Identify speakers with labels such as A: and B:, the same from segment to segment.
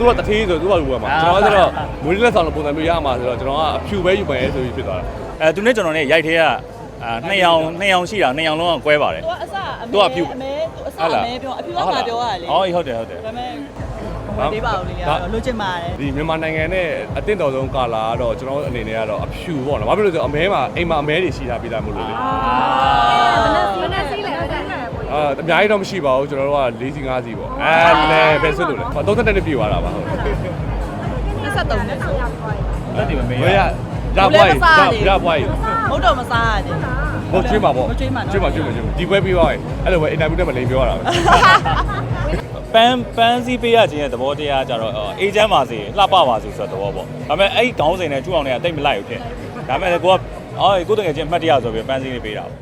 A: သူကတထေးဆိုသူကလူပဲမှာကျွန်တော်ကတော့မွေးလက်ဆောင်လိုပုံစံမျိုးရမှာဆိုတော့ကျွန်တော်ကအဖြူပဲယူမယ်ဆိုပြီးဖြစ်သွားတာ
B: သူနဲ့ကျွန်တော်နဲ့ရိုက်သေးက2ယောက်ရှိတာ2ယောက်လုံးကကွဲပါတယ်
C: သူကအဖြူအမဲသူအစအမဲပြောအဖြူကငါပြောရတယ်လေ
B: ဟုတ်တယ်ဒါ
C: ပေမဲ့ဟိုသေးပါဦးလေလိုချင်ပါတယ်
A: ဒီမြန်မာနိုင်ငံနဲ့အသင့်တော်ဆုံးကာလာကတော့ကျွန်တော်အနေနဲ့ကတော့အဖြူပေါ့နော်ဘာဖြစ်လို့လဲဆိုတော့အမဲမှာအိမ်မှာအမဲတွေရှိတာပြီးသားမို့လို့လေ
C: ဘယ်နဲ့စီးလဲအဲ့ဒါ
A: အများကြီးတော့မရှိပါဘူးကျွန်တော်တို့က4စီ5စီပေါ့လဲပဲဆွတ်လို့လေ30တက်နဲ့ပြေသွားတာပါဟုတ်
C: 23နဲ့ဆို
B: လက်ဒီမမေး
A: ရပွားရပွားရ
C: မဟုတ်တော့မစားရတယ်
A: ဟုတ်ကျွေးမှာပေါ့ကျွေးမှာဒီပွဲပြီးသွားရင်အဲ့လိုပဲအင်တာဗျူးနဲ့မလိန်ပြောတာ
B: ပဲပန်းစည်းပေးရခြင်းရဲ့သဘောတရားကြတော့အေဂျင့်ပါစေလှပပါစေဆိုတဲ့သဘောပေါ့ဒါပေမဲ့အဲ့ခေါင်းစဉ်နဲ့ကျူအောင်တွေကတိတ်မလိုက်ဘူးဖြစ်ဒါပေမဲ့ကိုကတကယ်ချင်းမှတ်တရဆိုပြီးပန်းစည်းလေးပေးတာ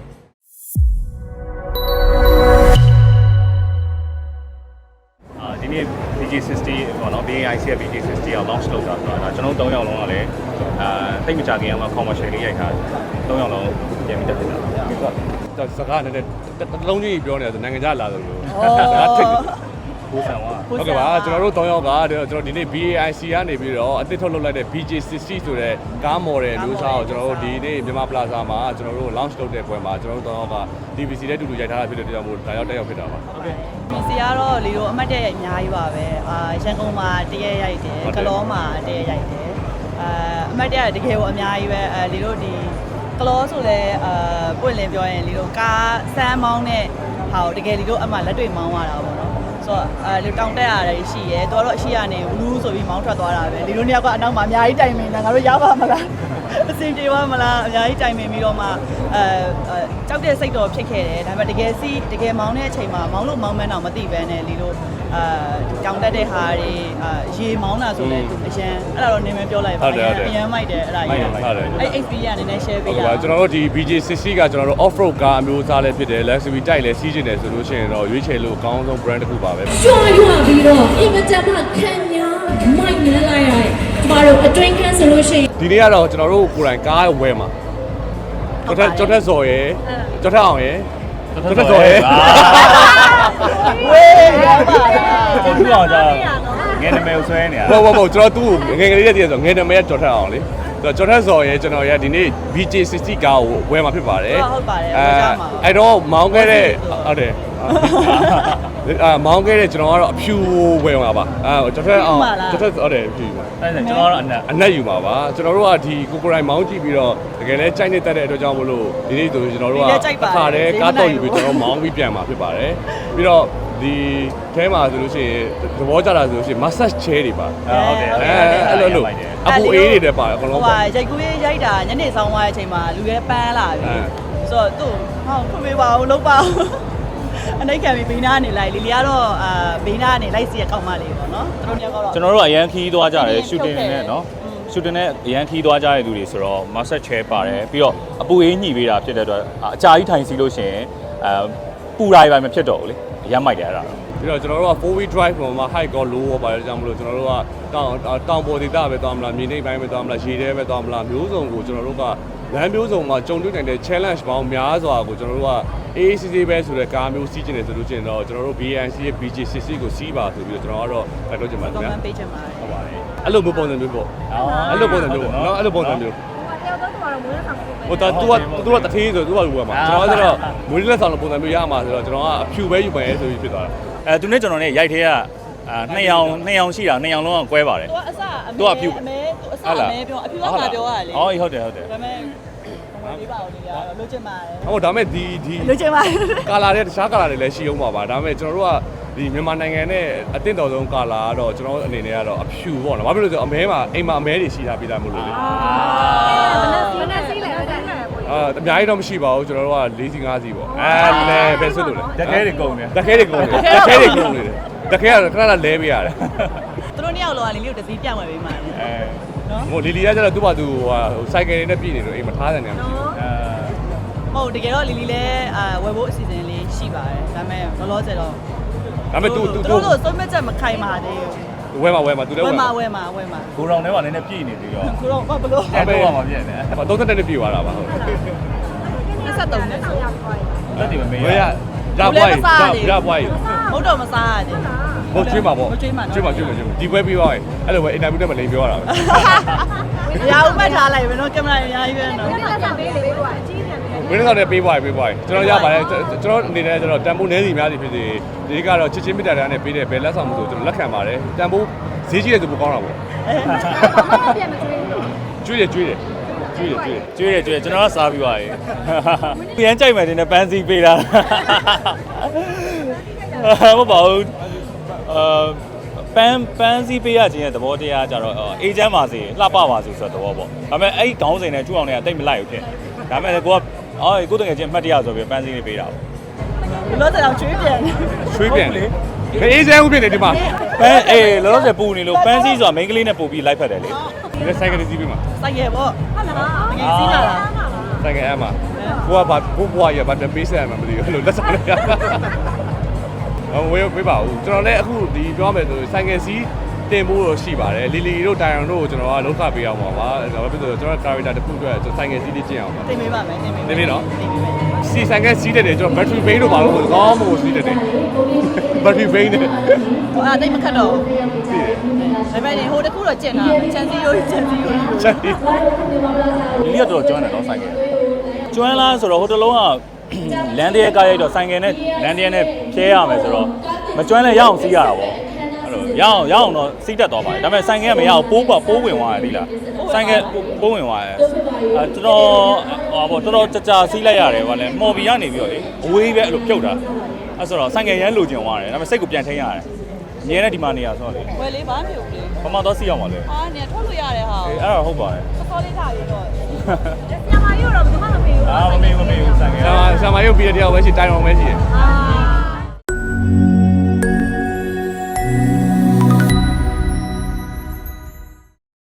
B: ပေါ့ဒီနေ့ BG60 ပေါ့နော် BAIC ရဲ့ BG60 ကို launch လုပ်တာဆိုတာဒါကျွန်တော်3ယောက်လုံးကလည်းတိတ်မကြခင်အောင် commercial လေးရိုက်ထား3ယောက်လုံးပြန်ပြီးတက်ဖြစ်တာ
A: ပါစကားနဲ့တစ်လုံးကြီးပြောနေတာဆိုနိုင်ငံခြားလာတယ်လို့ဒါထိတ်
B: ကိုဆန်ဝါ
A: ဟုတ်ကဲ့ပါကျွန်တော်တို့3ယောက်ကကျွန်တော်ဒီနေ့ BAIC ကနေပြီးတော့အသစ်ထုတ်လုပ်လိုက်တဲ့ BG60 ဆိုတဲ့ကားမော်ဒယ်မျိုးစားကိုကျွန်တော်တို့ဒီနေ့မြန်မာပလာဇာမှာကျွန်တော်တို့ launch လုပ်တဲ့ပွဲမှာကျွန်တော်တို့3ယောက်က DVC နဲ့တူတူရိုက်ထားတာဖြစ်တဲ့အတွက်ကြောင့်မို့ဒါရောက်တက်ရောက်ဖြစ်တာပါ
C: ဟုတ်ကဲ့ဒီစီကတော့လီတို့အမှတ်တရအများကြီးပါပဲရန်ကုန်မှာတရက်ရိုက်တယ်ကလောမှာတရက်ရိုက်တယ်အမှတ်တရတကယ်ကိုအများကြီးပဲလီတို့ဒီကလောဆိုလဲပွင့်လင်းပြောရင်လီတို့ကားစမ်းမောင်းတဲ့ဟာကိုတကယ်လီတို့အမှလက်တွေ့မောင်းရတာပေါ့နော်ဆိုတော့လူတောင်းတက်ရတယ်ရှိရဲတော်တော့အရှိရနေဘူးဆိုပြီးမောင်းထွက်သွားတာပဲလီတို့နှစ်ယောက်ကအနောက်မှာအများကြီးတိုင်မင်တာငါတို့ရပါမလားအစင်ပြေပါမလားအများကြီးတိုင်မင်ပြီးတော့မှကြောက်တဲ့စိတ်တော့ဖြစ်ခဲ့တယ်ဒါပေမဲ့တကယ်မောင်းတဲ့အချိန်မှာမောင်းလို့မောင်းမှန်းတော့မသိဘဲနဲ့လီတို့တောင်းတက်တဲ့ဟာတွေရေမောင်းတာဆိုလဲသူအရန်အဲ့ဒါတော့နေမပြောလိုက်ပါဘူးအရန်မိုက်တယ်အဲ့ဒါကြီးအဲ့ XP ကနည်းနည်း share ပေးရအောင်
A: ကျွန်တော်တို့ဒီ BG60 ကကျွန်တော်တို့ off road ကားအမျိုးအစားလေးဖြစ်တယ် luxury တိုက်လဲစီးကျင်တယ်ဆိုလို့ရှိရင်တော့ရွေးချယ်လို့အကောင်းဆုံး brand တစ်ခုပါပဲ
D: ကျွမ်းရွာပြီးတော့အင်မတန်မှခံများမိုက်နေလိုက်ရတယ်ကျမတို့အတွင်းခန်းဆိုလို့ရှိရင်
A: ဒီနေ့ကတော့ကျွန်တော်တို့ကိုယ်တိုင်ကားဝယ်မှာကျော်ထက်စော်ရယ်ကျော်ထက်အောင်ရယ်ကျော်ထက်စော်ရယ်
C: ဝေးရပါ
B: ဘူးသူ့အောင်ကြာငယ်နမဲကိုဆွဲနေတာ
A: ဟုတ်ကျွန်တော်သူ့ငယ်ကလေးတည်းကဆိုငယ်နမဲကျော်ထက်အောင်လေကျော်ထက်စော်ရယ်ကျွန်တော်ရဒီနေ့ BJ60 ကားကိုဝယ်မှာဖြစ်ပါတယ်
C: ဟုတ်ပါတယ်
A: အဲ့တော့မောင်းခဲ့တဲ့ဟုတ်တယ်မောင်းခဲ့တဲ့ကျွန်တော်ကတော့အဖြူဝယ်မှာပါကျော်ထက်အောင်ကျော်ထက်ဟုတ်တယ်ဖြူပါ
B: အဲ့ဒါကျွန်တော်ကတော့
A: အနက်ယူမှာပါကျွန်တော်တို့ကဒီကိုကိုရိုင်းမောင်းကြည့်ပြီးတော့တကယ်လဲကြိုက်နေတဲ့အတွက်ကြောင့်မလို့ဒီနေ့ဆိုကျွန်တော်တို့ကအခါတည်းကားတော့ယူပြီးကျွန်တော်မောင်းပြီးပြန်မှာဖြစ်ပါတယ်ပြီးတော့ဒီထဲမှာဆိုလို့ရှိရင်သဘောကျတာဆိုလို့ရှိရင် massage chair တွေပါ
B: ဟုတ်တယ်
A: အဲ့လိုအပူအေးတွေလည်းပါတယ်အကုန်လုံး
C: ဟိုရိုက်ကူးရေးရိုက်တာညနေဆောင်သွားတဲ့အချိန်မှာလူရဲပန်းလာပြီဆိုတော့သူ့ဟောဖွင့်ပေးပါဦးလုပ်ပါဦးအနိုင်ခံပြီးဘေးနားနေလိုက်လီလီကတော့ဘေးနားနေလိုက်စီရကောက်မလေးပေါ့နော်သူတို့ညကတော့
B: ကျွန်တော်တို့အရန်ခီးသွားကြတယ် shooting နဲ့နော် shooting နဲ့အရန်ခီးသွားကြတဲ့လူတွေဆိုတော့ massage chair ပါတယ်ပြီးတော့အပူအေးညှိပေးတာဖြစ်တဲ့အတွက်အကြာကြီးထိုင်စီလို့ရှိရင်ပူတာတွေပဲမဖြစ်တော့ဘူးလေအရမ်းမိုက်တယ်အဲ့ဒါ
A: ပြီးတော့ကျွန်တော်တို့က 4-wheel drive ပေါ်မှာ height ကော low ရောပါတယ်ကြောင့်မလို့ကျွန်တော်တို့ကတောင်ပေါ်ဒေသပဲသွားမလားမြေနိမ့်ပိုင်းပဲသွားမလားရေထဲပဲသွားမလားမျိုးစုံကိုကျွန်တော်တို့ကလမ်းမျိုးစုံမှာကြုံတွေ့နိုင်တဲ့ challenge ပေါင်းများစွာကိုကျွန်တော်တို့က AACC ပဲဆိုတဲ့ကားမျိုးစီးကျင်နေဆိုလို့ရှိရင်တော့ကျွန်တော်တို့ BAIC ရဲ့ BG60 ကိုစီးပါဆိုပြီးတော့ကျွန်တော်ကတော့တိုက်လို့ချင်ပါတယ်ခင်ဗျာ
C: comment ပေးချင်ပါတယ်
A: ဟုတ်ပါတယ်အဲ့လိုမျိုးပုံစံမျိုးပေါ့အဲ့လိုပုံစံမျိုးနော်အဲ့လိုပုံစံမျိုးဟိုသူကတထေးဆိုသူကလူပဲမှာကျွန်တော်ကတော့မွေးလက်ဆောင်လိုပုံစံမျိုးရမှာဆိုတော့ကျွန်တော်ကအဖြူပဲယူမယ်ဆိုပြီးဖြစ်သွားတာ
B: သူနဲ့ကျွန်တော်နဲ့ရိုက်သေးက2ယောက်ရှိတာ2ယောက်လုံးကကွဲပါတယ်
C: သူကအဖြူအမဲသူအစအမဲပြောအဖြူကငါပြောရတယ်လေ
B: ဟုတ်တယ်ဒါပေမဲ့
C: လေးပါဦးလေးကတော့လိုချင်ပါတယ်
A: ဟုတ်ဒါပေမဲ့ဒီ
C: လိုချင်ပါတယ်
A: ကာလာတွေတခြားကာလာတွေလည်းရှိအောင်ပါဒါပေမဲ့ကျွန်တော်တို့ကဒီမြန်မာနိုင်ငံနဲ့အသင့်တော်ဆုံးကာလာကတော့ကျွန်တော်အနေနဲ့ကတော့အဖြူပေါ့နော်ဘာဖြစ်လို့လဲဆိုတော့အမဲမှာအိမ်မှာအမဲတွေရှိတာပြီးသားမို့လို့လေ
C: ဘယ်နဲ့စီးလဲ
A: အများကြီးတော့မရှိပါဘူးကျွန်တော်တို့က4စီ5စီပေါ့လဲပဲဆွတ်လို့လေ
B: တခဲတွေကုန်တယ်
A: တခဲတွေကုန်တယ်တခဲကတော့ခဏလဲပေးရတယ်
C: သူတို့နှစ်ယောက်လောကလီလီကိုတစည်းပြောင်းဝယ်ပေးမှာလေ
A: နော်ဟိုလီလီကကျတော့သူ့ဘာသူဟိုစိုက်ကယ်တွေနဲ့ပြည်နေလို့အိမ်မထားတယ်နေမရှိဘူး
C: ဟုတ်တကယ်တော့လီလီလည်းဝယ်ဖို့အစီအစဉ်လေးရှိပါတယ်ဒါပေမဲ့လောလောဆယ်တော့
A: ဒါပေမဲ့ तू
C: တို့စုံမချက်မခိုင်ပါသေး
A: ဘူးဝဲမှာ तू လည်း
C: ဝဲမှာ
B: ကိုရောင်ထဲမှာနည်းနည်းပြည့်နေသေးတော့
C: ကိုရောင်ဘာလို့
B: အဲ့တော့မှပြည့်နေ
A: 30တက်နဲ့ပြည့်သွားတာပါဟုတ်
C: 23နဲ့ဆို
B: လက်ဒီမမေး
A: ရရပွားရပွား
C: ဟုတ်တော့မစားရတယ်
A: ဟိုကျွေးမှာပေါ့
C: ကျွေးမှာ
A: ဒီပွဲပြီးသွားရင်အဲ့လိုပဲအင်တာဗျူးနဲ့မလိန်ပြောရတာပဲ
C: ရအောင်မှတ်ထားလိုက်ပဲနော်ကင်မရာအများကြီးပဲနော်
A: ဝင်းဆောင်နဲ့ပေးပွားရင်ကျွန်တော်ရပါတယ်ကျွန်တော်အနေနဲ့ကျွန်တော်တန်ဖိုးနည်းစီများစီဖြစ်စီဒီကတော့ချစ်ချင်းမြတ်တာနဲ့ပေးတဲ့ဘယ်လက်ဆောင်မှုဆိုကျွန်တော်လက်ခံပါတယ်တန်ဖိုးဈေးကြီးတယ်ဆိုပိုကောင်းတာပေါ့ကျွေးတယ်ကျွန်တော်ကစားပြီးပါရေ
B: ပြန်ကြိုက်မယ်တင်နဲ့ပန်းစည်းပေးတာမဟုတ်ပါဘူးပန်းစည်းပေးရခြင်းရဲ့သဘောတရားကြတော့အေဂျင့်ပါစေလှပပါစေဆိုတဲ့သဘောပေါ့ဒါပေမဲ့အဲ့ဒီခေါင်းစဉ်နဲ့ကျူအောင်တွေကတိတ်မလိုက်ဘူးဖြစ်ဒါပေမဲ့ကိုကကိုတကယ်ချင်းအမှတ်တရဆိုပြီးပန်းစည်းလေးပေးတာပေါ့
C: လို့တော့ချွေးပြန်
A: ချွေးပြန်လေမအေးစဲဦးဖြစ်နေဒီမှာ
B: ပန်းလောလောဆယ်ပူနေလို့ပန်းစည်းဆိုတာမိန်းကလေးနဲ့ပို့ပြီးလိုက်ဖက်တယ်လေ
A: ဒီဆိုင်ကလေးစီးပြီးမှာ
C: စိုက်ရပေါ့ဟုတ်လားငယ်စီးလာတာ
A: ဆိုင်ကအမှာကိုကဘာကိုဘွားရဘာပေးဆက်မှမသိဘူးအဲ့လိုလက်ဆောင်လေးဝေးပေးပါဦးကျွန်တော်လည်းအခုဒီပြောမယ်ဆိုဆိုင်ကစီးတင်ဖို့တော့ရှိပါတယ်လီလီတို့တိုင်အောင်တို့ကိုကျွန်တော်ကလောက်ခပေးအောင်ပါဒါပဲဖြစ်ဆိုကျွန်တော် character တစ်ခုအတွက်ဆိုင်ကစီးလေးကျင့်အောင်ပါ
C: တင်ပေးပါမယ်တင်ပေး
A: နေပြီနော်စီဆိုင်ကစီးတယ်ကျွန်တော် battery bank တို့ပါလို့ကောင်းမို့စီးတယ် battery bank နဲ့
C: ဟိုအဲ့တိတ်မခတ်တော့
A: စီးတယ်
C: ဒါပေမဲ့ဟိုတခုတော့ကျင့်တာချန်စီရိုးချန်စီရိုး
A: ချက်ပြီး
B: ဒီလေးကတော့ကျွမ်းတယ်နော်ဆိုင်ကယ်ကျွမ်းလားဆိုတော့ဟိုတလုံးကလမ်းတရဲကားရိုက်တော့ဆိုင်ကယ်နဲ့လမ်းတရဲနဲ့ဖြဲရမယ်ဆိုတော့မကျွမ်းလဲရအောင်စီးရတာပေါ့အဲ့လိုရအောင်တော့စီးတတ်သွားပါတယ်ဒါပေမဲ့ဆိုင်ကယ်ကမရအောင်ပိုးဝင်သွားတယ်ဒီလားဆိုင်ကယ်ပိုးဝင်သွားတယ်တော်တော်ကြာစီးလိုက်ရတယ်ဗာလဲမော်ဘီကနေပြီးတော့လေအဝေးပဲအဲ့လိုပြုတ်တာအဲ့ဆိုတော့ဆိုင်ကယ်ရမ်းလိုချင်သွားတယ်ဒါပေမဲ့စိတ်ကိုပြန်ထိန်းရတယ်အမြဲတမ်းဒီမှာနေရဆိုတော့လေ
C: ဝယ်လေးဘာမျိုးလေ
B: ဘာမှတော့စီးအောင်ပါလေ
C: ဟာနေထွက်လို့ရတယ်ဟာ
B: အေးအဲ့ဒါဟုတ်ပါတယ်
C: စောလေးထားပြီးတော့ဆရာမကြီးတော့ဘယ်မှမပေးဘူး
B: မမေးဘူးဆိုင်ကယ်
A: ဆာမရုပ်ပြီးတဲ့တရားပဲရှိတိုင်အောင်ပဲရှိတယ်
C: အာ